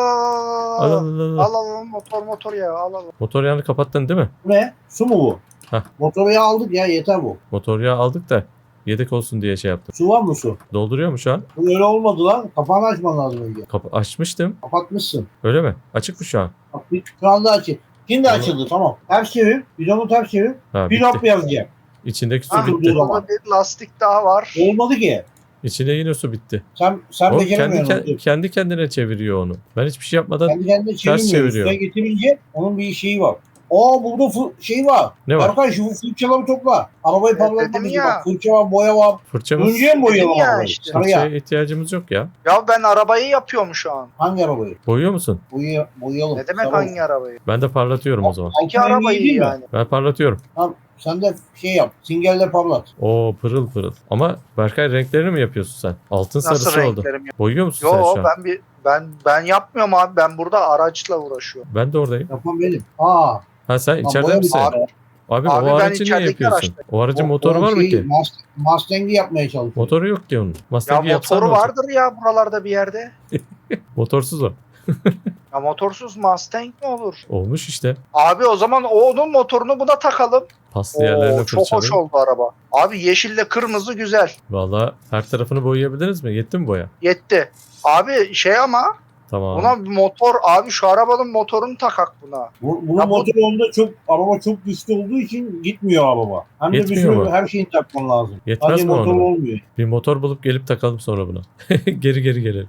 A: Al al
B: al
A: al al.
B: al al motor motor ya al al.
A: Motor yağını kapattın değil mi?
C: Bu ne? Su mu bu?
A: Hah.
C: Motoru yağı aldık ya yeter bu.
A: Motor yağı aldık da yedek olsun diye şey yaptım.
C: Su var mı su?
A: Dolduruyor mu şu an?
C: Bu öyle olmadı lan. Kapağını açman lazım önce.
A: Kapı açmıştım.
C: Kapatmışsın.
A: Öyle mi? Açık mı şu an?
C: Bak bir, şu anda açık. Şimdi
A: Tamam.
C: açıldı tamam. Ters çevir. Bidonu ters çevir.
A: Ha
C: Bir
A: bitti.
C: hop yazacak.
A: İçindeki su
B: Ah,
A: bitti.
C: dur.
B: burada bir lastik daha var.
C: Olmadı ki.
A: İçinde yine su bitti.
C: Sen sen
A: O kendi,
C: beceremiyorsun.
A: ke-
C: Kendi,
A: kendi kendine çeviriyor onu. Ben hiçbir şey yapmadan
C: kendi kendine çevirmiyor.
A: çeviriyor.
C: Üstüne getirince onun bir şeyi var. Aa burada fı- şey var.
A: ne var?
C: Berkay şu fırçaları topla. Arabayı
B: Evet,
C: parlatmak
B: dedim
C: için
B: ya.
C: bak. Fırça var, boya var.
A: Fırçamız,
C: Önce mi boyayalım
B: Dedim ya
C: arabayı?
B: işte.
C: Sarıya.
A: fırçaya ihtiyacımız yok ya.
B: Ya ben arabayı yapıyorum şu an.
C: Hangi arabayı?
A: Boyuyor musun?
C: Boya, boyayalım.
B: Ne demek
C: Sarı
B: hangi arabayı?
A: Ben de parlatıyorum o zaman.
B: İki
C: Altın rengi
B: arabayı
C: değil mi?
B: yani.
A: Ben parlatıyorum.
C: Tamam. Sen de şey yap. Singelle parlat.
A: Oo pırıl pırıl. Ama Berkay renklerini mi yapıyorsun sen? Altın
B: Nasıl
A: sarısı oldu.
B: renklerim? yok?
A: Boyuyor musun sen
B: Yo
A: şu an?
B: ben bir ben ben yapmıyorum abi. Ben burada araçla uğraşıyorum.
A: Ben de oradayım.
C: Yapan benim. Aa.
A: Ha sen
C: Tamam,
A: içeride
C: boya
A: misin?
C: bir-
B: Abi,
A: Abi,
B: Abi
A: o
B: ben
A: aracı niye
B: içerideki
A: yapıyorsun?
B: araçtayım.
A: O aracın
C: O-
A: motoru
C: o
A: var mı
C: şeyi,
A: ki?
C: Must- Mustang'i yapmaya çalışıyorum.
A: Motoru yok ki onun.
B: ya
A: Mustang'i yapsan
B: motoru
A: ne olacak?
B: vardır ya buralarda bir yerde.
A: Motorsuz o.
B: Ya motorsuz Mustang mi olur?
A: Olmuş işte.
B: Abi o zaman onun motorunu buna takalım.
A: Paslı yerlerine
B: Oo, çok hoş
A: fırçalı.
B: oldu araba. Abi yeşille kırmızı güzel.
A: Valla her tarafını boyayabiliriz mi? Yetti mi boya?
B: Yetti. Abi şey ama
A: Tamam.
B: buna bir motor abi şu arabanın motorunu takak buna.
C: Bu, bunun
B: Ya bu-
C: motoru onda çok, araba çok güçlü olduğu için gitmiyor araba. Hem de bir
A: Yetmiyor
C: sürü
A: mu?
C: her şeyini takman lazım.
A: Yetmez
C: Sadece
A: mi
C: motor
A: ona?
C: olmuyor.
A: Bir motor bulup gelip takalım sonra buna. geri geri gelelim.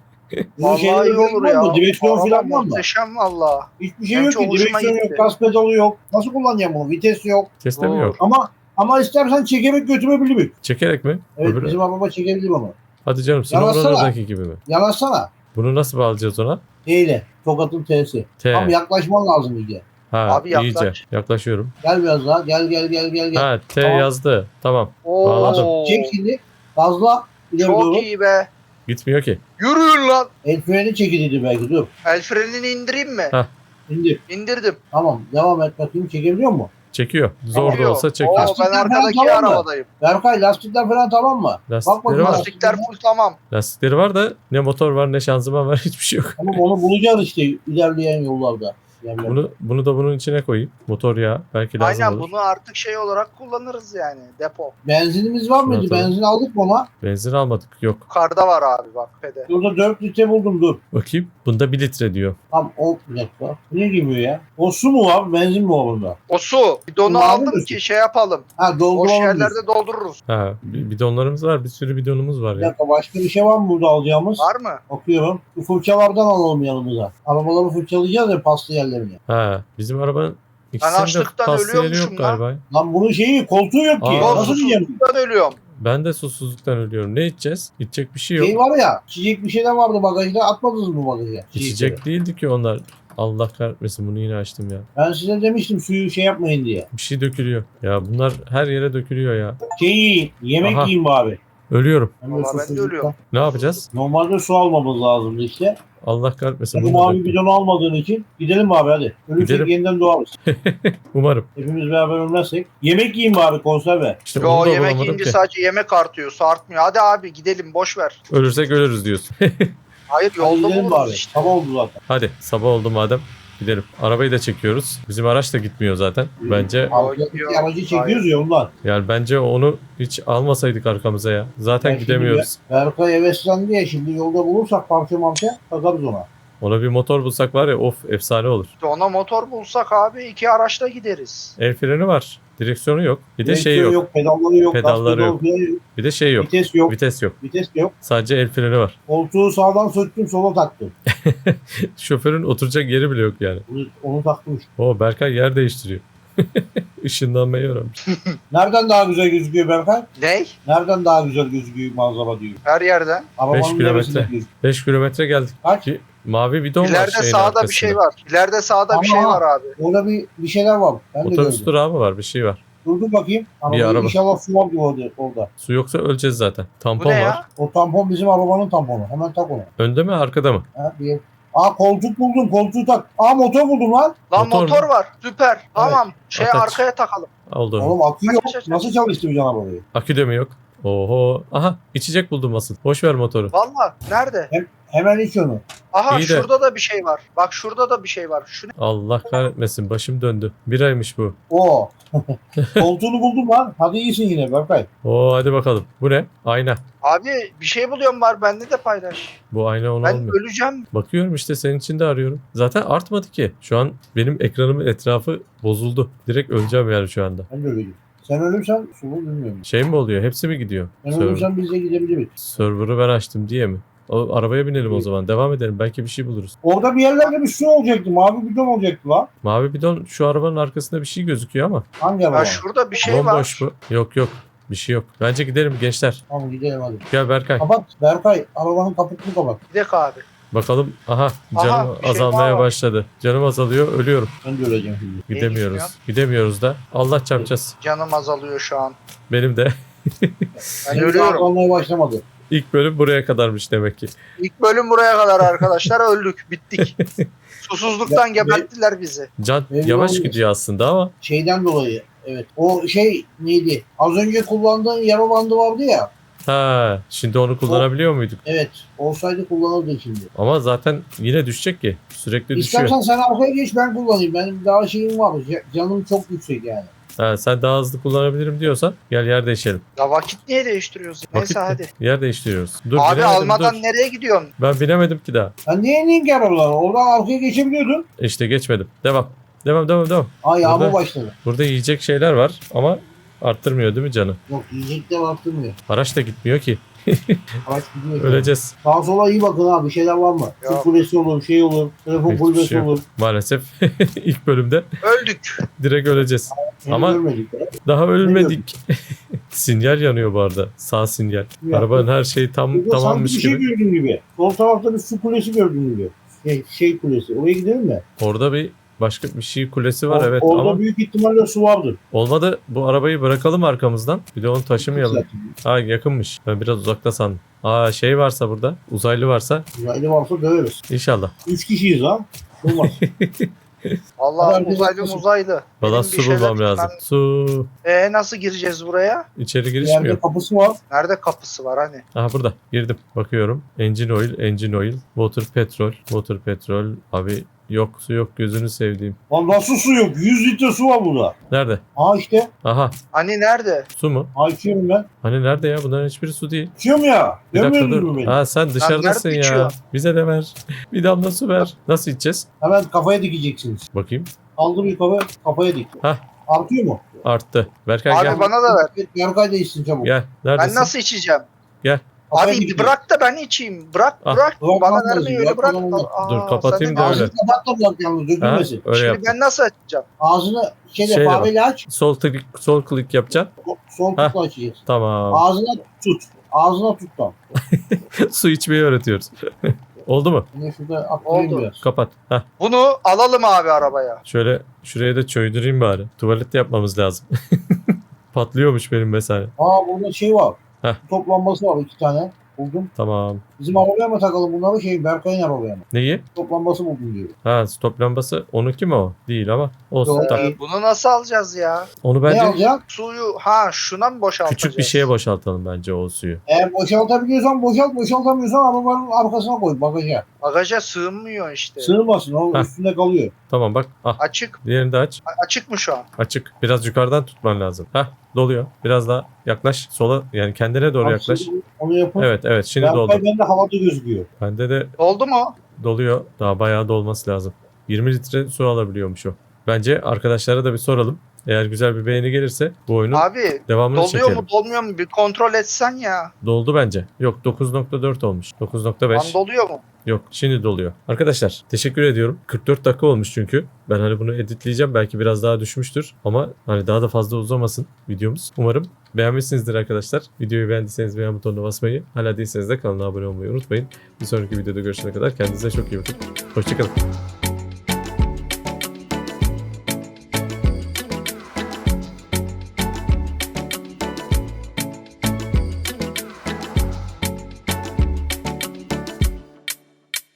C: Bunun
B: Vallahi
C: şeyleri
B: iyi olur
C: var
B: ya.
C: mı? Direksiyon
B: Araba
C: falan var mı?
B: muhteşem valla.
C: Hiçbir şey
B: Benim
C: yok
B: çok
C: ki.
B: hoşuma
C: Direksiyon
B: gitti.
C: yok, gaz pedalı yok. Nasıl kullanacağım bunu? Vites yok.
A: Teste mi
B: Oo.
A: yok?
C: Ama ama istersen çekerek götürebilirim.
A: Çekerek mi?
C: Evet
A: Öbürü-
C: bizim araba çekebilir ama.
A: Hadi canım
C: Yanaşsana.
A: Snowrunner'daki gibi mi?
C: Yanaşsana.
A: Bunu nasıl bağlayacağız ona?
C: Neyle? Tokat'ın T'si.
A: T.
C: Tam yaklaşman lazım iyice.
A: Ha,
B: Abi yaklaş.
A: iyice. Yaklaşıyorum.
C: Gel biraz daha. Gel gel gel gel. gel.
A: Ha T
C: Tamam.
A: yazdı. Tamam.
B: Oo.
A: Bağladım.
C: Çek şimdi. Gazla. İleri
B: Çok
C: doğru.
B: iyi be.
A: Gitmiyor ki.
B: Yürüyün lan.
C: El freni çekildi belki. Dur.
B: El frenini indireyim mi?
A: Ha.
C: İndir.
B: İndirdim.
C: Tamam. Devam et bakayım. Çekebiliyor mu?
A: Çekiyor. Zor da
B: Çekiyor.
A: olsa
B: Oo,
A: çekiyor.
B: ben
C: Lastikler falan
B: arkadaki
C: tamam mı?
B: arabadayım.
C: Berkay lastikler falan tamam mı?
A: Lastikleri
C: bakayım,
A: var.
B: Lastikler full tamam.
A: Lastikleri var da ne motor var ne şanzıman var hiçbir şey yok.
C: Tamam onu bulacağız işte ilerleyen yollarda. Yani
A: Bunu bunu da bunun içine koyayım. Motor yağı belki lazım
B: Aynen
A: olur.
B: bunu artık şey olarak kullanırız yani depo.
C: benzinimiz var mıydı?
A: Şuna
C: Benzin aldık mı ona?
A: Benzin almadık. Yok.
B: Yukarıda var abi bak pede.
C: Burada dört litre buldum dur.
A: Bakayım. Bunda bir litre diyor.
C: Tam o bir dakika. Ne gibi ya? O su mu var? Benzin mi var bunda?
B: O su. Bidonu
C: Bunu aldın
B: aldım
C: mı?
B: ki şey yapalım.
C: Ha
B: Boş
C: dolduralım. diyorsun.
B: yerlerde doldururuz.
A: Ha bi- bidonlarımız var. Bir sürü bidonumuz var
C: Bir
A: ya.
C: dakika başka bir şey var mı burada alacağımız?
B: Var mı?
C: Bakıyorum. Bu fırçalardan alalım yanımıza. Arabaları fırçalayacağız ya paslı yerlerini.
A: Ha bizim arabanın
B: Ben
A: ikisinde
B: açlıktan
A: paslı yeri
B: ölüyormuşum
A: yok
B: lan.
A: galiba.
C: Lan bunun şeyi koltuğu yok ki.
A: Aa.
C: Nasıl diyeceğim?
B: Susuzluktan ölüyorum.
A: Ben de susuzluktan ölüyorum. Ne içeceğiz? İçecek bir şey yok.
C: Şey var ya, içecek bir şeyler vardı bagajda, atmadınız mı bagaja?
A: İçecek değildi ki onlar. Allah kahretmesin bunu yine açtım ya.
C: Ben size demiştim suyu şey yapmayın diye.
A: Bir şey dökülüyor. Ya bunlar her yere dökülüyor ya.
C: Şey yiyin, yemek
A: Aha.
C: yiyin bari.
A: Ölüyorum.
C: Hem de
B: Vallahi ben de
C: susuzluktan.
B: ölüyorum.
A: Ne yapacağız?
C: Normalde su almamız lazımdı işte.
A: Allah kahretmesin.
C: Bu
A: bunu da
C: mavi
A: döktüm.
C: bidonu almadığın için gidelim abi hadi. Ölürsek
A: Gidelim.
C: yeniden doğarız.
A: Umarım.
C: Hepimiz beraber ölmezsek. Yemek yiyin bari konserve.
A: İşte
B: Yo
A: onu da
B: yemek
A: bulamadım
B: yiyince
A: ki.
B: sadece yemek artıyor. Su artmıyor. Hadi abi gidelim boş ver.
A: Ölürsek ölürüz diyorsun.
B: Hayır
C: Hadi
B: yolda
C: gidelim
B: buluruz
C: bari.
B: işte.
C: Sabah oldu zaten.
A: Hadi sabah oldu madem. Gidelim. Arabayı da çekiyoruz. Bizim araç da gitmiyor zaten. Bence
C: Arkadaki
B: gidiyor.
C: aracı çekiyoruz ya ondan.
A: yani bence onu hiç almasaydık arkamıza ya. Zaten
C: Ben şimdi
A: gidemiyoruz.
C: Berkay heveslendi ya şimdi yolda bulursak parça marça takarız ona.
A: Ona bir motor bulsak var ya of efsane olur.
B: İşte ona motor bulsak abi iki araçla gideriz.
A: El freni var. Direksiyonu yok. Bir de şey
C: Direksiyon
A: yok.
C: pedalları yok.
A: Pedalları
C: gaz
A: yok.
C: pedalı yok.
A: Bir de şey yok.
C: Vites yok.
A: Vites yok.
C: Vites de yok.
A: Sadece el freni var.
C: Koltuğu sağdan söktüm sola taktım.
A: Şoförün oturacak yeri bile yok yani.
C: Onu, onu taktım işte.
A: O Berkay yer değiştiriyor. Işınlanmayı öğrenmiş.
C: Nereden daha güzel gözüküyor Berkay?
B: Ney?
C: Nereden daha güzel gözüküyor manzara diyor.
B: Her yerden.
C: Arabanın
A: Beş kilometre.
C: neresinde gözüküyor?
A: beş kilometre geldik.
C: Kaç?
A: Ki mavi bidon var
B: İleride
A: şeyin
B: sağda
A: arkasında.
B: bir şey var. İleride sağda bir
C: Ama-
B: şey var abi.
C: Orada bir, bir şeyler var. Ben de
A: Otobüs
C: gördüm.
A: durağı mı var? Bir şey var.
C: Durdum bakayım. Arabayı
A: araba.
C: İnşallah su var gibi orada, orada.
A: Su yoksa öleceğiz zaten.
B: Bu
A: Tampon
B: ne
A: var.
B: ya?
C: O tampon bizim arabanın tamponu. Hemen tak onu.
A: Önde mi arkada mı?
C: Ha, bir... Aa koltuk buldum. Koltuğu tak. Aa motor buldum lan.
B: Lan
A: Motor
B: motor,
A: mu?
B: var. Süper. Tamam. Şey
A: Ateş.
B: arkaya takalım.
A: Oldu.
C: Oğlum akü yok.
B: Aç, aç, aç.
C: Nasıl çalıştıracaksın arabayı?
A: Akü de mi yok? Oho. Aha içecek buldum asıl. Boş ver motoru.
B: Valla. Nerede?
C: Hemen iç onu.
B: Aha
A: İyi de-
B: şurada da bir şey var. Bak şurada da bir şey var. Şu ne?
A: Allah kahretmesin. Başım döndü. Biraymış bu.
C: Oo. Koltuğunu buldum lan. Hadi iyisin yine Berkay.
A: Oo hadi bakalım. Bu ne? Ayna.
B: Abi bir şey buluyorum var. Bende de paylaş.
A: Bu ayna onu
B: Ben
A: almıyor.
B: öleceğim.
A: Bakıyorum işte senin için de arıyorum. Zaten artmadı ki. Şu an benim ekranımın etrafı bozuldu. Direkt öleceğim yani şu anda.
C: Ben de öyleyim. Sen ölürsen sulu bilmiyorum.
A: Şey mi oluyor? Hepsi mi gidiyor?
C: Ben
A: Server-
C: ölürsem biz de gidebiliriz.
A: Server'ı ben açtım diye mi? O arabaya binelim o zaman. Devam edelim. Belki bir şey buluruz.
C: Orada bir yerlerde bir su olacaktı. Mavi bidon olacaktı lan.
A: Mavi bidon şu arabanın arkasında bir şey gözüküyor ama.
C: Hangi araba?
B: Ya şurada bir şey var.
A: Bomboş bu. Yok yok. Bir şey yok. Bence gidelim gençler.
C: Tamam gidelim hadi.
A: Gel Berkay.
C: Kapat Berkay. Arabanın kaputunu kapat.
B: Gidek abi.
A: Bakalım. Aha canım
B: Aha, bir şey
A: azalmaya
B: daha var.
A: başladı. Canım azalıyor. Ölüyorum.
C: Ben de öleceğim şimdi.
A: Gidemiyoruz.
B: gitmiyorsun?
A: Gidemiyoruz da. Allah çarpacağız.
B: Canım azalıyor şu an.
A: Benim de.
B: Ben
C: Henüz
B: ölüyorum.
C: azalmaya başlamadı.
A: İlk bölüm buraya kadarmış demek ki.
B: İlk bölüm buraya kadar arkadaşlar, öldük. Bittik. Susuzluktan
C: Ya,
B: geberttiler bizi.
A: Can
C: Belli
A: yavaş
C: olmuyor.
A: gidiyor aslında ama.
C: Şeyden dolayı. Evet. O şey neydi? Az önce kullandığın yara bandı vardı ya.
A: Ha, şimdi onu kullanabiliyor muyduk?
C: Evet. Olsaydı kullanırdı şimdi.
A: Ama zaten yine düşecek ki. Sürekli düşüyor.
C: İstersen sen arkaya geç ben kullanayım. Benim daha şeyim var. ca- Canım çok yüksek yani.
A: Ha, sen daha hızlı kullanabilirim diyorsan gel yer değişelim.
B: Ya vakit niye değiştiriyoruz? Neyse
A: Vakit-
B: hadi.
A: Yer değiştiriyoruz. Dur
B: Abi
A: binemedim,
B: almadan
A: dur.
B: nereye gidiyorsun?
A: Ben binemedim ki daha.
C: Sen niye indin ki arabalara? Oradan arkaya geçebiliyordun.
A: İşte geçmedim. Devam. Devam devam devam.
C: Aa yağmur
A: Burada-
C: başladı.
A: Burada yiyecek şeyler var ama arttırmıyor değil mi canı?
C: Yok yiyecek de baktırmıyor.
A: Araç da gitmiyor ki.
C: Araç gidiyor.
A: Öleceğiz.
C: Sağa sola iyi bakın ha. Bir şeyler var mı? Su
B: Yok.
C: kulesi olur, şey olur. Telefon
A: Hiçbir
C: kulübesi
A: şey yok.
C: olur.
A: Maalesef ilk bölümde
B: Öldük.
A: direkt öleceğiz.
C: Seni
A: Ama-
C: görmedik.
A: Daha ölmedik. Sinyal yanıyor bu arada. Sağ sinyal.
C: Ya.
A: Arabanın her şeyi tam
C: Burada sanki
A: tamammış
C: bir şey
A: gibi.
C: gördüğün gibi. Sol tarafta bir su kulesi gördüğün gibi. Şey, şey kulesi. Oraya gidelim mi?
A: Orada bir başka bir şey kulesi var
C: Or-
A: evet
C: Orada
A: ama
C: büyük ihtimalle su vardır.
A: olmadı. Bu arabayı bırakalım arkamızdan. Bir de onu taşımayalım.
C: Zaten.
A: Ha yakınmış. Ben biraz uzakta sandım. Aa şey varsa burada. Uzaylı varsa
C: Uzaylı varsa döveriz.
A: inşallah.
C: Üç kişiyiz ha. Olmaz.
B: Allah
C: Herkes
B: uzaylı
C: haklısın.
B: uzaylı.
A: Valla
B: Benim
A: su
B: bir şeyler
A: bulmam lazım.
B: gitmem-
A: Su.
B: Ee, nasıl gireceğiz buraya?
A: İçeri giriş
C: Yerde
A: mi yok?
C: kapısı var.
B: Nerede kapısı var hani?
A: Aha burada. Girdim. Bakıyorum. Engine oil, engine oil, water petrol, water petrol. Abi yok su yok gözünü sevdiğim.
C: Lan nasıl su yok? yüz litre su var burada.
A: Nerede?
C: Ha işte.
A: Aha
B: Hani nerede?
A: su mu?
C: Ha içiyorum ben.
A: Hani nerede ya? Bunların hiçbiri su değil.
C: İçiyorum ya.
A: Bir dakika
C: Görmüyor
A: dur.
C: musun beni?
A: Ha sen dışarıdasın
B: nerede
A: ya.
B: içiyor?
A: Bize de ver. Bir damla su ver. Nasıl içeceğiz?
C: Hemen kafaya dikeceksiniz.
A: Bakayım.
C: Aldı bir kafa kafaya dik.
A: Hah.
C: Artıyor mu?
A: Arttı. Berkay
B: Abi
A: gel.
B: bana da ver.
C: Berkay da içsin çabuk.
A: Gel. Neredesin?
B: Ben nasıl içeceğim?
C: Kafaya
B: Abi
C: dikecek.
B: bırak da ben içeyim. Bırak
A: Ah.
B: bırak.
C: Bırak,
B: Bana
C: bırak,
B: vermeyi öyle
C: bırak,
B: bırak.
C: bırak.
B: Aa,
A: Dur, kapatayım
B: sen
A: da
B: de-
A: öyle.
C: Ağzını kapat da bırak yalnız
A: Ha?
C: dökülmesin.
A: Öyle
B: Şimdi
A: yaptım.
B: ben nasıl açacağım?
C: Ağzını şeyle
A: Şeyle
C: fareyle aç.
A: Sol klik, sol klik yapacaksın.
C: Sol
A: Ha.
C: tutla açacaksın.
A: Tamam.
C: Ağzına tut. Ağzına tut tam.
A: Su içmeyi öğretiyoruz. Oldu mu?
C: Yine şurada attırayım
B: Oldu.
C: biraz.
A: Kapat. Heh.
B: Bunu alalım abi arabaya.
A: Şöyle şuraya da çöydüreyim bari. Tuvalette yapmamız lazım. Patlıyormuş benim mesela.
C: Aa burada şey var.
A: Heh.
C: Toplanması var iki tane. Buldum.
A: Tamam.
C: Bizim arabaya mı takalım bunları şey Berkay'ın arabaya mı?
A: Neyi?
C: Toplanması buldum diyor.
A: Ha stop lambası. Onunki mi o? Değil ama. Olsun.
C: Yok.
A: Tak.
B: Ee, bunu nasıl alacağız ya?
A: Onu
C: Ne
A: bence
C: alacak?
B: Suyu ha şuna mı boşaltacağız?
A: küçük bir şeye boşaltalım bence o suyu.
C: Eğer boşaltabiliyorsan boşalt, boşaltamıyorsan arabanın arkasına koy bagaja.
B: Bagaja sığmıyor işte.
C: Sığmasın o
A: Heh.
C: üstünde kalıyor.
A: Tamam bak. Ah.
B: Açık.
A: Diğerini de aç.
B: A- Açık mı şu an?
A: Açık. Biraz yukarıdan tutman lazım. Hah doluyor. Biraz daha yaklaş. Sola yani kendine doğru
C: Bak,
A: yaklaş.
C: şimdi Onu yapın.
A: Evet evet şimdi doldu.
C: Berkay bende havada gözüküyor.
A: Bende de
B: Oldu mu?
A: doluyor. Daha bayağı dolması lazım. yirmi litre su alabiliyormuş o. Bence arkadaşlara da bir soralım. Eğer güzel bir beğeni gelirse bu oyunun
B: Abi
A: devamını
B: doluyor
A: çekelim.
B: mu dolmuyor mu bir kontrol etsen ya.
A: Doldu bence. Yok dokuz nokta dört olmuş. dokuz nokta
B: Lan
A: beş.
B: doluyor mu?
A: Yok şimdi doluyor. Arkadaşlar teşekkür ediyorum. kırk dört dakika olmuş çünkü. Ben hani bunu editleyeceğim. Belki biraz daha düşmüştür. Ama hani daha da fazla uzamasın videomuz. Umarım beğenmişsinizdir arkadaşlar. Videoyu beğendiyseniz beğen butonuna basmayı, hala değilseniz de kanala abone olmayı unutmayın. Bir sonraki videoda görüşene kadar kendinize çok iyi bakın. Hoşçakalın.